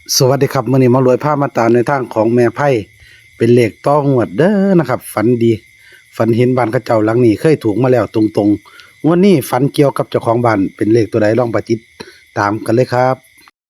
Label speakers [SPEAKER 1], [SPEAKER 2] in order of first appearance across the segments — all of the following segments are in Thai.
[SPEAKER 1] สวัสดีครับมื้อนี้มารวยภาพมาตามในทางของแม่ไพ่เป็นเลขต้องงวดเด้อนะครับฝันดีฝันเห็นบ้านเขาเจ้าหลังนี้เคยถูกมาแล้วตรงๆงวดนี้ฝันเกี่ยวกับเจ้าของบ้านเป็นเลขตัวใดลองไปติดตามกันเลยครับ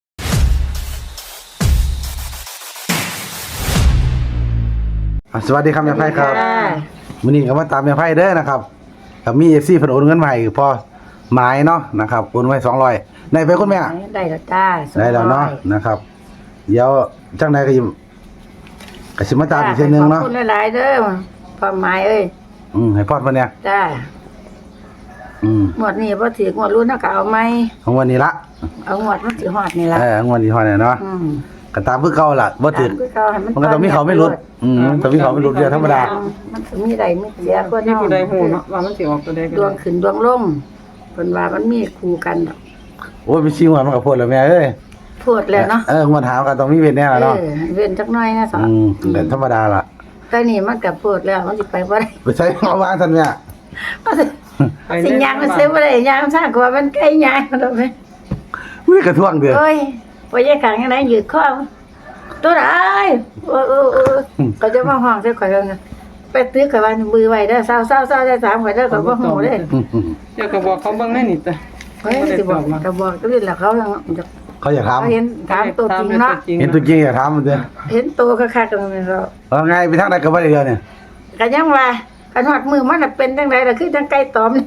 [SPEAKER 1] สวัสดีครับแม่ไพ่ครับมื้อนี้ก็มาตามแม่ไพ่เด้อนะครับถ้ามี FC เพิ่นโอนเงินมาให้พอหมายเนาะนะครับโอนไว้200ได้ไปคุณแม่
[SPEAKER 2] ได้แล้วจ้า
[SPEAKER 1] ได้แล้วเนาะนะครับเดี๋ยวจังไดก็สิมาตามอีกเทื่อนึงเนาะ
[SPEAKER 2] ขอบคุณหลายๆเด้อพ่อหมายเอ้ย
[SPEAKER 1] ให้พอดเพิ่นเนี่ย
[SPEAKER 2] จ้าหมดนี้บ่ถือหมดรุ่นเฮาก็เอาใหม่
[SPEAKER 1] ของวันนี้ละ
[SPEAKER 2] เอาหมดมันสิฮอดนี่ล่ะ
[SPEAKER 1] ของวันนี้ฮอดเนี่ยเนาะก็ตามคือเก่าล่ะบ่ถือมันก็ต้องมีเขาไม่หลุดต้องมีเขาไม่หลุดเดียวธรรมดา
[SPEAKER 2] มันสิมีได้มีเสียคน
[SPEAKER 3] เฮาผู้ใดฮู้เนาะว่ามันสิออกตัวใด
[SPEAKER 2] ดวงขึ้นดวงลงเพิ่นว่ามันมีคู่กันดอก
[SPEAKER 1] โอ้ยมีชิงว่ามันก็โพดแล้วแม่เอ้ย
[SPEAKER 2] โพดแล้วเนาะ
[SPEAKER 1] มันถามก็ต้องมีเว้นแน่ล่ะเนาะ
[SPEAKER 2] เว้นจักหน่อยนะสอ
[SPEAKER 1] ก็ธรรมดาล่ะ
[SPEAKER 2] แต่นี่มันก็โพดแล้วมันสิไปบ่ได้
[SPEAKER 1] ไปใช้เอาวางซั่นแม่
[SPEAKER 2] สิย่างมันซื้อบ่ได้ย่างซ่ากว่ามันไกลย่างดอกแม่
[SPEAKER 1] มื้อกระท่วงเด้อ
[SPEAKER 2] โอ้ยบ่ยายขังจังได๋ยืดคอตัวใดก็จะมาห้องใส่ข่อยแล้วนะไปตื้อข่อยว่ามือไว้เด้อเศร้าๆๆได้3ข่อยเด้อข่อยบ่ฮู้เด้
[SPEAKER 3] เดี๋ยวก็บอกเขาเบิ่งในนี่จ้ะ
[SPEAKER 2] เฮ้ยสิบอกก็บอกก็นี่แหละเขา
[SPEAKER 1] อยากถาม
[SPEAKER 2] เห็นถามตัวจริงเนาะ
[SPEAKER 1] เห็นตัวจริงอยากถามมันเด้อ
[SPEAKER 2] เห็นตัวคักๆกันนี่เรา
[SPEAKER 1] ว่าไงไปทางใดก็บ่ได้เดียวเนี่ย
[SPEAKER 2] ก็ยังว่าคันฮอดมือมันน่ะเป็นจังได๋ล่ะคือจังไก่ตอม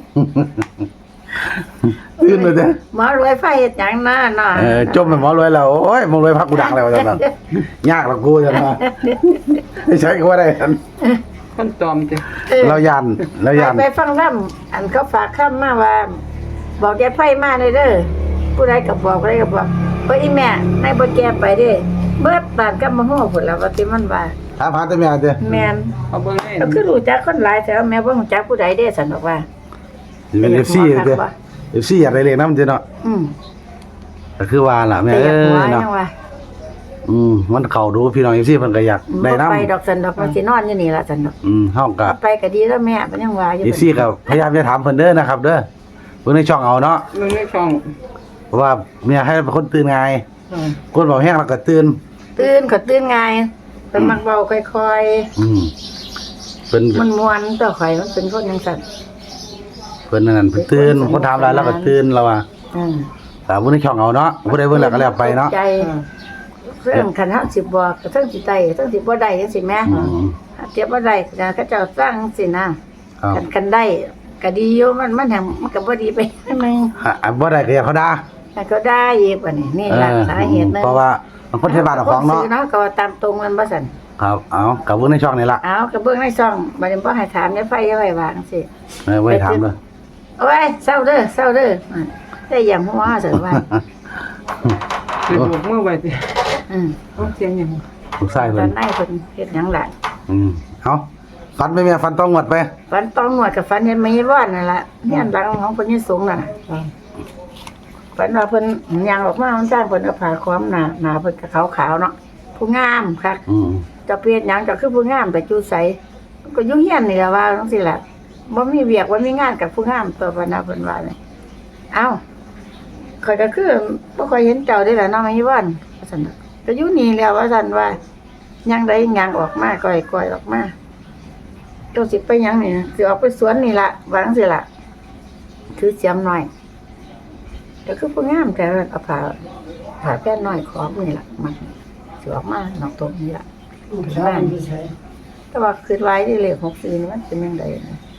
[SPEAKER 1] ตื่นเลยเด้อ
[SPEAKER 2] หมอรวยไฟเฮ็ดหยังน่ะเนาะ
[SPEAKER 1] จมหมอรวยแล้วโอ้ยหมอรวยพักกูดังแล้วจังนั้นยากละกูจังว่าไม่ใช่ก็บ่ได้
[SPEAKER 3] คนตอมติ
[SPEAKER 1] เรายัน
[SPEAKER 2] ไปฟังลำอันเขาฝากคำมาว่าบอกยายไฟมาเด้อผู้ใดก็บอกผู้ใดก็บอกเฮ้ยอีแม่นายบ่แก่ไปเด้เบิดบ้านกับมาฮู้พุ่นล่ะว่าสิมันว่า
[SPEAKER 1] ถามหาแต่แม่เด้อ
[SPEAKER 2] แม่น
[SPEAKER 3] เอาเบิ่งได้
[SPEAKER 2] ก็คือรู้จักคนหลายแต่ว่าแม่บ่รู้จักผู้ใดเด้ซั่นดอกว่า
[SPEAKER 1] เป็น FC เด้อ FC อยากได้เลขนำเด้อเนาะก็คือว่าล่ะแม่เอ้ยเนาะมันเข้าดูพี่น้อง FC เพิ่นก็อยากได้นำ
[SPEAKER 2] ไปดอกซั่นดอกมันสินอนอยู่นี่ล่ะซั่นดอก
[SPEAKER 1] เฮาก็
[SPEAKER 2] ไปก็ดีแล้วแม่มันยังว่าอยู่
[SPEAKER 1] FC ก็พยายามจะถามเพิ่นเด้อนะครับเด้อเบิ่งในช่องเอาเนาะ
[SPEAKER 3] เบิ่งในช่อง
[SPEAKER 1] เพราะว่าแม่ให้เป็นคนตื่นง่ายคนเว้าแฮงแล้วก็ตื่น
[SPEAKER 2] ก็ตื่นง่ายเพิ่นมักเว้าค่อย
[SPEAKER 1] เพิ่น
[SPEAKER 2] มันม่วนต่อข่อยมันเป็นคนจังซั่น
[SPEAKER 1] เพิ่นนั่นเพิ่นตื่นคนถามหลายแล้วก็ตื่นแล้วว่าถามเบิ่งในช่องเอาเนาะผู้ใดเบิ่งแล้วก็แล้วไปเนาะ
[SPEAKER 2] เรื่องคันเฮาสิบอกก็ทั้งสิได้ทั้งสิบ่ได้จังซี่แม่เจ็บบ่ได้ก็เจ้าสร้างสินะกันได้ก็ดีอยู่มันแห่งมันก็บ่ดีไปนึง
[SPEAKER 1] บ่ได้ก็อย่าเขาด่า
[SPEAKER 2] ก็ได้อีกบัดนี้นี่ล่ะสาเหตุนึง
[SPEAKER 1] เพราะว่าบางคนใช้บ้านเอาของเนาะ
[SPEAKER 2] ก็ตามตรงมันบ่ซั่น
[SPEAKER 1] ครับเอาก็เบิ่งในช่องนี่ล่ะ
[SPEAKER 2] ก็เบิ่งในช่องบัดนี้บ่ให้ถามในไฟไว้ว่าจังซี่
[SPEAKER 1] ไว้ถามเด้อ
[SPEAKER 2] โอ้ยเศร้าเด้อได้อย่างหัวซั่นว่า
[SPEAKER 3] สิบกมือไว้ติเสียงหยัง
[SPEAKER 1] ลูกชายเพิ่น
[SPEAKER 2] ตอนไหนเพิ่นเฮ็ดหยังล่ะ
[SPEAKER 1] เอาฝันไปแม่ฝันต้องงวดไป
[SPEAKER 2] ฝันต้องงวดกับฝันเห็นแม่ว่านนั่นล่ะเนี่ยหลังของเพิ่นยังสูงน่ะฝันว่าเพิ่นย่างออกมามันจ้างเพิ่นเอาผ้าคล้องหน้าเพิ่นก็ขาวๆเนาะผู้งามคักจะเปลี่ยนหยังก็คือผู้งามแต่จูใสก็อยู่เฮียนนี่ล่ะว่าจังซี่ล่ะบ่มีเวียกบ่มีงานกับผู้งามตัวพนะเพิ่นว่านี่เอ้าข่อยก็คือบ่ค่อยเห็นเจ้าได้ล่ะเนาะแม่ว่านว่าซั่นก็อยู่นี่แล้วว่าซั่นว่ายังได้ยังออกมาก้อยออกมาเจ้าสิไปยังนี่สิออกไปสวนนี่ล่ะวางสิล่ะถือเสียมหน่อยแต่คือผู้งามแต่เอาผ่าแป้นน้อยขอบนี่ล่ะมันสิออกมานอกตรงนี้ล่ะบ้านแต่ว่าคือไว้ที่เลข64นี่มันเป็นจังได๋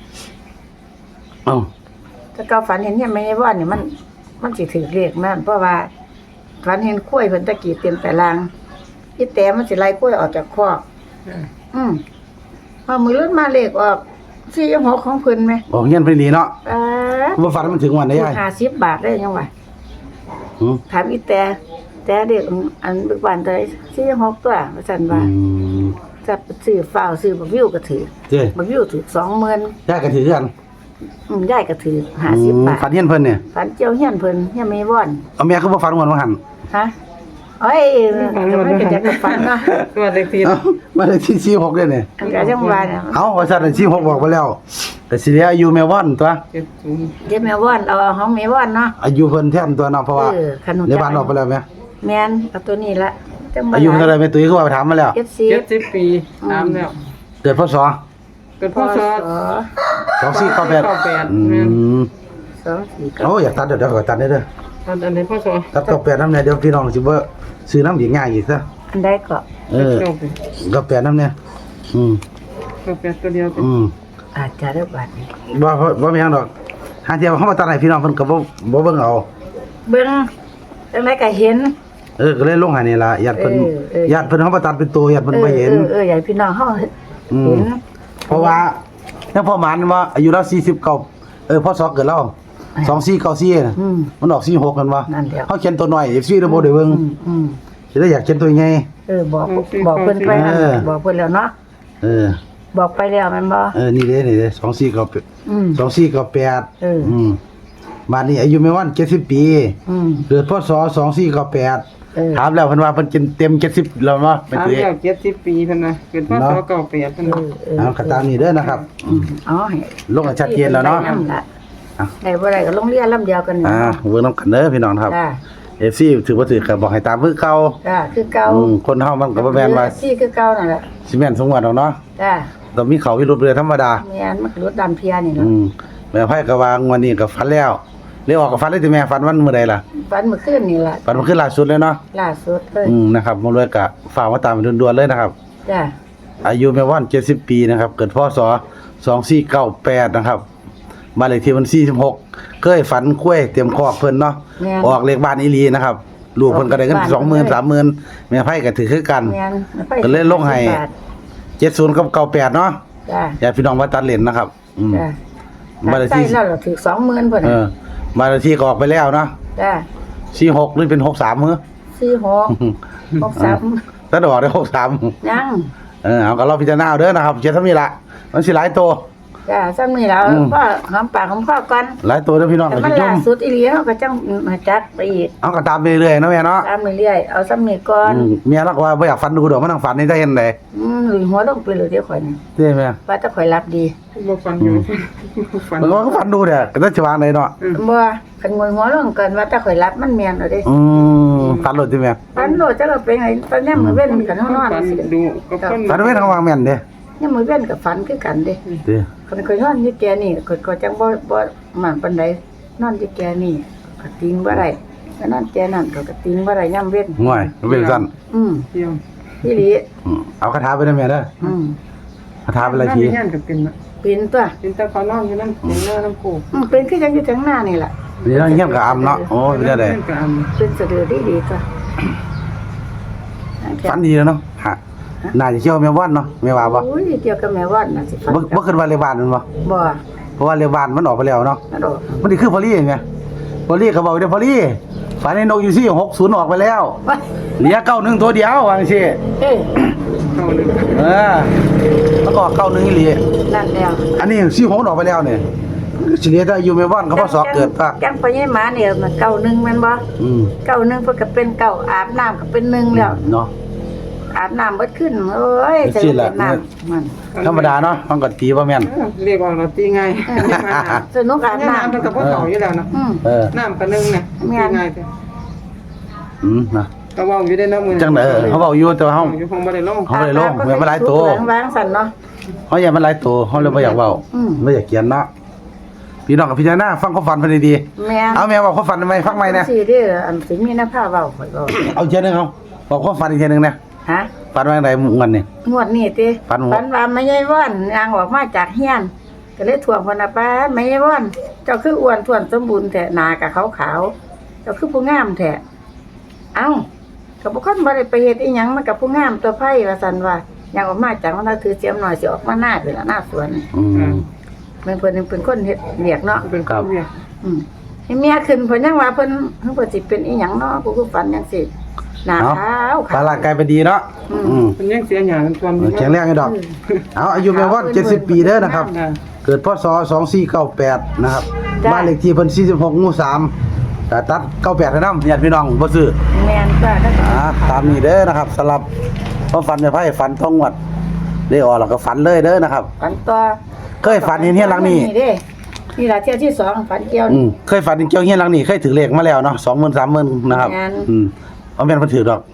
[SPEAKER 2] ถ้าเก่าฝันเห็นเนี่ยไม่ใช่ว่านี่มันสิถือเลขมันเพราะว่าฝันเห็นกล้วยเพิ่นตะกี้เต็มแต่ลางอีแต้มันสิไล่กล้วยออกจากคอกพอมือรุ่นมาเลขออก46ของเพิ่นมั้ย
[SPEAKER 1] เฮียนเพิ่นดีเนาะบ่ฝันมันถึงวันได้ยาย
[SPEAKER 2] 50 บาทได้ยังว่าถามอีแต้เด็กอันบึกบานได้46ตัวว่าซั่นว่าจะซื้อฟ้าวซื้อบักวิวก็ถือบักวิวถือ 20,000
[SPEAKER 1] ยายก็ถือกัน
[SPEAKER 2] ยายก็ถือ50 บาท
[SPEAKER 1] ฝันเฮียนเพิ่นเนี่ย
[SPEAKER 2] ฝันเจียวเฮียนเพิ่นเฮียนแม่ว่อน
[SPEAKER 1] เอาแม่คือบ่ฝันว่าหั่น
[SPEAKER 2] ฮะเอ้ยมันก็จะฝันเนาะ
[SPEAKER 3] ว่าเลขที่
[SPEAKER 1] มาเลขที่46เด้อเนี่ย
[SPEAKER 2] ก็จังว่า
[SPEAKER 1] ว่าซั่น46บอกไปแล้วแต่สิเหลืออายุแม่ว่อนตัว
[SPEAKER 2] เดี๋ยวแม่ว่อนเอาของแม่ว่อนเนาะ
[SPEAKER 1] อายุเพิ่นแทนตัวเนาะเพราะว่าในบ้านออกไปแล้วแม่
[SPEAKER 2] แม่นเอาตัวนี้ละจังบ่
[SPEAKER 1] อายุเท่าไหร่แม่ตุ้ยคือว่าไปถามมาแล้ว
[SPEAKER 3] 70 ปีตามแล้ว
[SPEAKER 1] เกิดพศ
[SPEAKER 3] เกิดพศ
[SPEAKER 1] 2498
[SPEAKER 3] แม่น
[SPEAKER 1] โอ้อยากตัดเดี๋ยวขอตัดได้เด้อ
[SPEAKER 3] อันนี้พศ
[SPEAKER 1] ตัด98นำเนี่ยเดี๋ยวพี่น้องสิบ่ซื้อน้ำอีกง่ายอีกซะ
[SPEAKER 2] อันใดก็
[SPEAKER 1] 98นำเนี่ย
[SPEAKER 3] 98ตัวเดียว
[SPEAKER 2] อาจจะได้บัดนี้
[SPEAKER 1] บ่มีหยังดอกหาเที่ยวเฮามาตัดให้พี่น้องเพิ่นก็บ่เบิ่งเอา
[SPEAKER 2] เบิ่งจังไดก็เห็น
[SPEAKER 1] ก็เลยลงให้นี่ล่ะญาติเพิ่น ญาติเพิ่นเฮามาตัดเป็นตัวญาติเพิ่นบ่เห็น
[SPEAKER 2] อยากให้พี่น้องเฮา
[SPEAKER 1] อื
[SPEAKER 2] เห็
[SPEAKER 1] ม
[SPEAKER 2] น
[SPEAKER 1] เพราะว่าเนี่ยพ่อหมานว่าอายุเรา49พศเกิดเรา2494น่ะมันออก46กันว่า
[SPEAKER 2] นั่นแหละ
[SPEAKER 1] เฮาเขียนตัวน้อย FC ได้บ่ได้เบิ่ง
[SPEAKER 2] อืม
[SPEAKER 1] สิได้อยากเขียนตัวใหญ่
[SPEAKER 2] บอกเพิ่นไปนั่น
[SPEAKER 1] เออ
[SPEAKER 2] บอกเพิ่นแล้วเนาะ
[SPEAKER 1] เออ
[SPEAKER 2] บอกไปแล้วแม่นบ่
[SPEAKER 1] นี่เด้2498
[SPEAKER 2] อืม
[SPEAKER 1] 2498
[SPEAKER 2] เออ
[SPEAKER 1] บ้านนี้อายุแม่วัน70 ปี
[SPEAKER 2] อืม
[SPEAKER 1] เกิดพศ2498
[SPEAKER 2] เออ
[SPEAKER 1] ถามแล้วเพิ่นว่าเพิ่นเต็ม70แล้วเนาะเป็น
[SPEAKER 3] ตาม
[SPEAKER 1] ตัว
[SPEAKER 3] แล้ว70 ปีเพิ่นน่ะเกิดพศ98เพิ่นน่ะ
[SPEAKER 1] เอาก็ตามนี้เด้อนะครับ
[SPEAKER 2] อ๋อให้
[SPEAKER 1] ลงให้ชัดเจนแล้วเนาะ
[SPEAKER 2] ได้บ่ได้ก็โรงเรียนลำเดียวกันนี่
[SPEAKER 1] เบิ่งนำกันเด้อพี่น้องครับ
[SPEAKER 2] จ้า
[SPEAKER 1] FC ถือบ่ถือก็บอกให้ตามคือเก่า
[SPEAKER 2] จ้าคือเก่า
[SPEAKER 1] คนเฮามันก็บ่แม่นว่า
[SPEAKER 2] ซี่คือเก่านั่นแหละ
[SPEAKER 1] สิแม่นสงวนดอกเนาะ
[SPEAKER 2] จ้า
[SPEAKER 1] ต้องมีเขาวิรุธเรือธรรมดา
[SPEAKER 2] แม่นมันรถดำเพียนี่เนาะ
[SPEAKER 1] แม่ไผก็วางวันนี้ก็ฝันแล้วเรียกออกก็ฝันเลยติแม่ฝันวันมื้อใดล่ะ
[SPEAKER 2] ฝันเมื่อคืนนี่ล่ะ
[SPEAKER 1] ฝันมันขึ้นล่าสุดเลยเนาะ
[SPEAKER 2] ล่าสุดเลย
[SPEAKER 1] นะครับมาเลยก็ฝากมาตามด่วนๆเลยนะครับ
[SPEAKER 2] จ้า
[SPEAKER 1] อายุแม่วัน70 ปีนะครับ เกิดพศ2498นะครับบ้านเลขที่มัน46เคยฝันคุ้ยเตรียมคอกเพิ่นเนาะออกเลขบ้านอีหลีนะครับลูกเพิ่นก็ได้เงิน 20,000 30,000แม่ไผก็ถือคือกัน
[SPEAKER 2] แม่น
[SPEAKER 1] ก็เลยลงให้ 70กับ98เนาะ
[SPEAKER 2] จ้า
[SPEAKER 1] อย่าพี่น้องมาตัดเลนนะครับ
[SPEAKER 2] จ้า
[SPEAKER 1] บ้านเลข
[SPEAKER 2] ใส่
[SPEAKER 1] ที่
[SPEAKER 2] แล้วเราถือ 20,000พุ่น
[SPEAKER 1] เอ
[SPEAKER 2] น่ะ
[SPEAKER 1] อบ้านเลขที่ก็ออกไปแล้วเนาะ
[SPEAKER 2] จ้า
[SPEAKER 1] 46หรือเป็น63มื้อ
[SPEAKER 2] 46 63
[SPEAKER 1] ถ้าออกได้63
[SPEAKER 2] ยัง
[SPEAKER 1] เอาก็รอพิจารณาเอาเด้อนะครับเจ็ดเท่านี้ละมันสิหลายตัว
[SPEAKER 2] จ้าซ้ำนี่แล้วก็หอมปากหอมคอก่อน
[SPEAKER 1] หลายตัวเด้อพี่น้อง
[SPEAKER 2] แต่
[SPEAKER 1] ก็
[SPEAKER 2] มัน
[SPEAKER 1] สิยุ่
[SPEAKER 2] ล่าง สุดอีหลีเฮาก็จังมาจัดไปอีก
[SPEAKER 1] เอาก็ตามไปเรื่อยๆเนาะแม่เนาะ
[SPEAKER 2] ตามเรื่อยๆเอาซ้ำนี่ก่อน
[SPEAKER 1] เมียรักว่าบ่อยากฝันดูดอกมันนั่งฝันนี่ได้เห็นได้
[SPEAKER 2] หลุยหัวลงไปเลยเดี๋ยวข่อยนี่
[SPEAKER 1] ใช่ไหม
[SPEAKER 2] ว่าแต่ข่อยรับดี
[SPEAKER 3] บ่ฟันอยู่ฟัน
[SPEAKER 1] มันก็ฝันดูเด้อก็จะวางได้เนาะ
[SPEAKER 2] บ่คันงวยหัวลงกันว่าแต่ข่อยรับมันแม่นเอาเด้
[SPEAKER 1] ฝันโลดติแม่
[SPEAKER 2] ปันโลดจักก็เป็นไงตอนนี้มื้อเว้นกันเฮานอน
[SPEAKER 3] ฟัน
[SPEAKER 2] สิ
[SPEAKER 3] ดูก็ฟัน
[SPEAKER 1] ฝันไว้ทางวางแม่นเด้
[SPEAKER 2] ยามมื้อเว้นก็ฝันคือกันเด้
[SPEAKER 1] เด้
[SPEAKER 2] คันข่อยนอนอยู่แกนี่ข่อยก็จังบ่หมันปานใดนอนอยู่แกนี่ก็ติงบ่ได้ก็นอนแกนั่นก็ติงบ่ได้ยามเว้น
[SPEAKER 1] ง่วยมันเป็นซั่น
[SPEAKER 3] เที่ยว
[SPEAKER 2] อีหลี
[SPEAKER 1] เอาคาถาไปได้แม่เด้อคาถาเป็นอะไรที
[SPEAKER 3] นั่นก็เป็นน่ะ
[SPEAKER 2] เป็นตัว
[SPEAKER 3] เป็นตะเขานอนอยู่นั่นเป็นหน้าน้ำโขก
[SPEAKER 2] เป็นคือจังอยู่ทางหน้านี่ล่ะ
[SPEAKER 1] นี่เราเงียบกับอำเนาะโอ้ยเป็นได้
[SPEAKER 2] เป็นสะดือดีๆตัว
[SPEAKER 1] ฝันดีแล้วเนาะฮะน่าจะเที่ยวแม่วันเนาะแม่ว่าบ่
[SPEAKER 2] โอ้ยเกี่ยวกับแม่วัดน่ะสิฝัน
[SPEAKER 1] บ่ขึ้นว่าเลขบ้านมันบ่
[SPEAKER 2] บ่
[SPEAKER 1] เพราะว่าเลขบ้านมันออกไปแล้วเนาะ
[SPEAKER 2] นั่นดอก
[SPEAKER 1] มันนี่คือพอลี่ไงพอลี่ก็บอกเดี๋ยวพอลี่ฝันในนกอยู่ที่60ออกไปแล้ว
[SPEAKER 2] ว้าย
[SPEAKER 1] เหลือ91ตัวเดียวว่าจังซี่
[SPEAKER 2] เอ้ย
[SPEAKER 3] เข้าเลย
[SPEAKER 1] แล้วก็91อีหลี
[SPEAKER 2] นั่นแล้ว
[SPEAKER 1] อันนี้46ออกไปแล้วเนี่ยสิเหลือแต่อยู่แม่บ้านก็พอสอบเกิดปะ
[SPEAKER 2] จังไปยี่หมาเนี่ยมันเก่าหนึ่งแม่นบ่ เก่าหนึ่งเพิ่นก็เป็นเก่าอาบน้ำก็เป็นหนึ่งแล้ว
[SPEAKER 1] เนาะ
[SPEAKER 2] อาบน้ำเบิดขึ้นโอ้ยจะเป็นน้ำมัน
[SPEAKER 1] ธรรมดาเนาะมันก็ตีบ่แม่น
[SPEAKER 3] เรียกว่าเราตีง่าย
[SPEAKER 2] สนุกอาบ
[SPEAKER 3] น้ำ
[SPEAKER 2] น้ำ
[SPEAKER 3] มันกับพ่อเก่าอยู่แล้วนะ น้ำกันนึงเนี่ยตีง่ายแต่
[SPEAKER 1] นะ
[SPEAKER 3] ก็ว่าอยู่ได้นะมือ
[SPEAKER 1] จังได๋เขาเว้าอยู่แต่ว่าเฮา
[SPEAKER 3] อยู่ห้องบ่ได้ลง
[SPEAKER 1] เฮาบ่ได้ลงแม่นมันหลายตัว
[SPEAKER 2] วางสั่นเนาะ
[SPEAKER 1] เฮาอยากมันหลายตัวเฮาเลยบ่อยากเว้าบ่อยากเขียนเนาะพี่น้องกับพิจารณาฟังความฝันเพิ่นดี
[SPEAKER 2] แม่
[SPEAKER 1] ๆเอาแม่ว่าความฝันทำไมฟังใหม่นะ
[SPEAKER 2] สิเด้ออันสิมีหน้าผ้าเว้าข่อยเว้า
[SPEAKER 1] เอาเทียนึงเอาบอกความฝันอีกเทียนึงนะ
[SPEAKER 2] ฮะ
[SPEAKER 1] ฝันว่าจังไดมื้อวันนี้
[SPEAKER 2] งวดนี้ติ
[SPEAKER 1] ฝันว่า
[SPEAKER 2] ว่าไม่ใช่ว่อนยางออกมาจากเฮียนก็เลยถ่วงเพิ่นน่ะป้าไม่ใช่ว่อนเจ้าคืออ้วนท้วนสมบูรณ์แท้หน้าก็ขาวๆเจ้าคือผู้งามแท้เอ้าก็บ่คนบ่ได้ไปเฮ็ดอีหยังมันก็ผู้งามตัวไผว่าซั่นว่ายางออกมาจากมันถือเสียมหน่อยสิออกมาหน้าเป็นหน้าสวน เพิ่นเป็นคนเฮ็ดเรียกเนาะ
[SPEAKER 3] เป็นข้าวเวีย
[SPEAKER 2] ให้เมียขึ้นเพิ่นยังว่าเพิ่นสิเป็นอีหยังเนาะกูคือฝันจังซี่หน้าขาว
[SPEAKER 1] ตาร่างกายเป็นดีเนาะ
[SPEAKER 3] มันยังเสียหยากันทวน
[SPEAKER 1] แข็งแรงไอ้ดอก เอาอายุแม่ว่า70 ปีเด้อนะครับ เกิดพศ2498นะครับบ้านเลขที่เพิ่น46หมู่3แต่ตัด98ให้นำญาติพี่น้องบ่ซื้อ
[SPEAKER 2] แม่นจ้ะแล้วก็
[SPEAKER 1] ตามนี้เด้อนะครับสำหรับความฝันแม่ไผฝันท้องงวดได้ออกแล้วก็ฝันเลยเด้อนะครับ
[SPEAKER 2] ฝันต่อ
[SPEAKER 1] เคยฝันเห็นเฮียนหลังนี้
[SPEAKER 2] เด้นี่ล่ะเที่ยวที่2ฝันเกี่ยว
[SPEAKER 1] เคยฝันเห็นเกี่ยวเฮียนหลังนี้เคยถือเลขมาแล้วเนาะ20,000 30,000นะครับ
[SPEAKER 2] แม่น
[SPEAKER 1] เอาแม่นเพิ่นถือดอก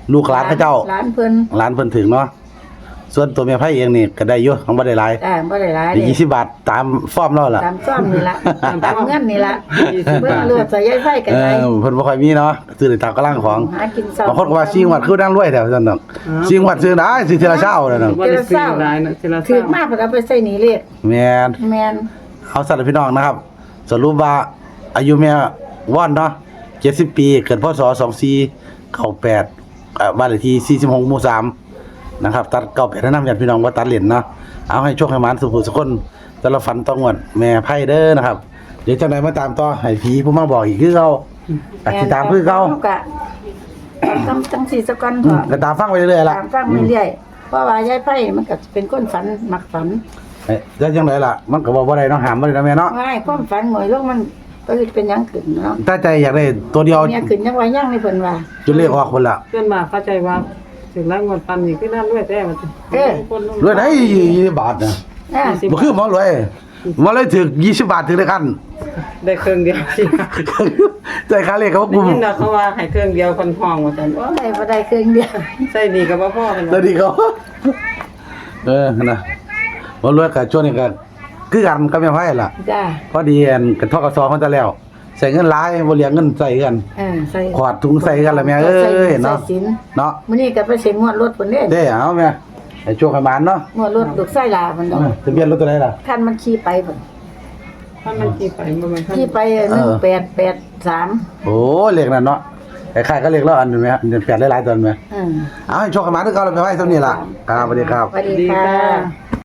[SPEAKER 1] ลูกหลานเขาเจ้า
[SPEAKER 2] หลานเพิ่น
[SPEAKER 1] หลานเพิ่นถึงเนาะส่วนตัวแม่ไผเองนี่ก็ได้อยู่ของบ่ได้หลาย
[SPEAKER 2] บ่ได้หลาย
[SPEAKER 1] ได้
[SPEAKER 2] เด้
[SPEAKER 1] 20 บาทตามฟอร์มเราล่ะ
[SPEAKER 2] ตามซ่อมนี่ล่ะตามเงินนี่ล่ะเบิ่งเลือดใส่ยายไฟกัน
[SPEAKER 1] เอ
[SPEAKER 2] ไหน
[SPEAKER 1] อเพิ่นบ่ค่อยมีเนาะซื้อได้ตามกำลังของ
[SPEAKER 2] หากินเช้า
[SPEAKER 1] บางคนก็ว่าชิงวัดคือดังรวยแถวซั่นดอกชิงวัดซื้อได้สิทีละเช้านั่นน่ะ
[SPEAKER 3] บ่ได้ซื้อหลายนะทีละ
[SPEAKER 2] ถือมากเพิ่นเอาไปใส่หนีเลข
[SPEAKER 1] แม่น
[SPEAKER 2] แม่น
[SPEAKER 1] เอาสัตว์พี่น้องนะครับ สรุปว่าอายุแม่ว่อนเนาะ70 ปีเกิดพศ2498บ้านเลขที่46หมู่3นะครับตัด98แนะนำญาติพี่น้องว่าตัดเหรียญเนาะเอาให้โชคให้หมานสุขสุขคนแต่ละฝันต้องงวดแม่ไพ่เด้อนะครับเดี๋ยวจังได๋มาตามต่อให้ผีผู้มาบอกอีกคือเก่าก็สิตามคือเก่า
[SPEAKER 2] ก็จังสี่สะก่อน
[SPEAKER 1] อื
[SPEAKER 2] ก็
[SPEAKER 1] มก็ตามฟังไปเรื่อยๆล่ะ
[SPEAKER 2] ตามฟังเรื่อยๆเพราะว่ายายไผมันก็เป็นคนฝันมักฝัน
[SPEAKER 1] แล้วจังไดล่ะมันก็บ่ได้เนาะห้ามบ่ได้นะแม่เนาะ
[SPEAKER 2] ง่ายความฝันหน่อยลงมันก็คือเป็นหยังขึ้นเนาะ
[SPEAKER 1] ถ้าใจอยากได้ตัวเดียว
[SPEAKER 2] เนี่ยขึ้นยังว่ายังในเพิ่นว่า
[SPEAKER 1] จนเลขออกพุ่นล่ะ
[SPEAKER 3] เพื่อนมาเข้าใจว่าถึงแล้วงวดปันนี่คือน่ารวยแต่ว่าคน
[SPEAKER 1] รวยได้20 บาทนะ
[SPEAKER 2] อ่า
[SPEAKER 1] บ่คือหมอรวยหมอเลยถึก20 บาทถึงได้คัน
[SPEAKER 3] ได้เครื่องเดียวสิ
[SPEAKER 1] ใจค่าเลขเขา
[SPEAKER 3] ได้
[SPEAKER 1] กุม
[SPEAKER 3] ยินนะเขาว่าให้เครื่องเดียวคนห้องว่าซั่นโอ้
[SPEAKER 2] ได้บ่ได้ครึ่งเดียว
[SPEAKER 3] ใส่ดีก็บ่พอกัน
[SPEAKER 1] แล้วดีเขานะหมอรวยก็ช่วงนี้ก็คือกันกับแม่ไผล่ะ
[SPEAKER 2] จ้า
[SPEAKER 1] พอดีอันกับทกสเขาจะแล้วใส่เงินหลายบ่เหลือเงินใส่กัน
[SPEAKER 2] ใส่
[SPEAKER 1] ขวาดถุงใส่กันละแม่เอ้ยเนาะ
[SPEAKER 2] ใส่สิน
[SPEAKER 1] เนาะ
[SPEAKER 2] มื้อนี้ก็ไปเซ็นงวดรถเพิ่นเด้
[SPEAKER 1] เด้เอาแม่ให้โชคให้หมานเนาะ
[SPEAKER 2] งวดรถลูกไส้ลาเพิ่นดอก
[SPEAKER 1] ทะเบียนรถตัวใดล่ะ
[SPEAKER 2] คันมันขี่ไปเพิ่น
[SPEAKER 3] ถ้ามันกี่ไปบ่แม่น
[SPEAKER 2] ขี่ไป1883
[SPEAKER 1] โอ้เลขนั่นเนาะคล้ายๆก็เลขแล้วอันนึงแม่อันแปดหลายๆตัวแม่เอาให้โชคให้หมานคือเก่าแล้วแม่ไผเท่านี้ล่ะครับสวัสดีครับ
[SPEAKER 2] สวัสดี
[SPEAKER 3] ดี
[SPEAKER 2] ค่ะ
[SPEAKER 3] ค่ะ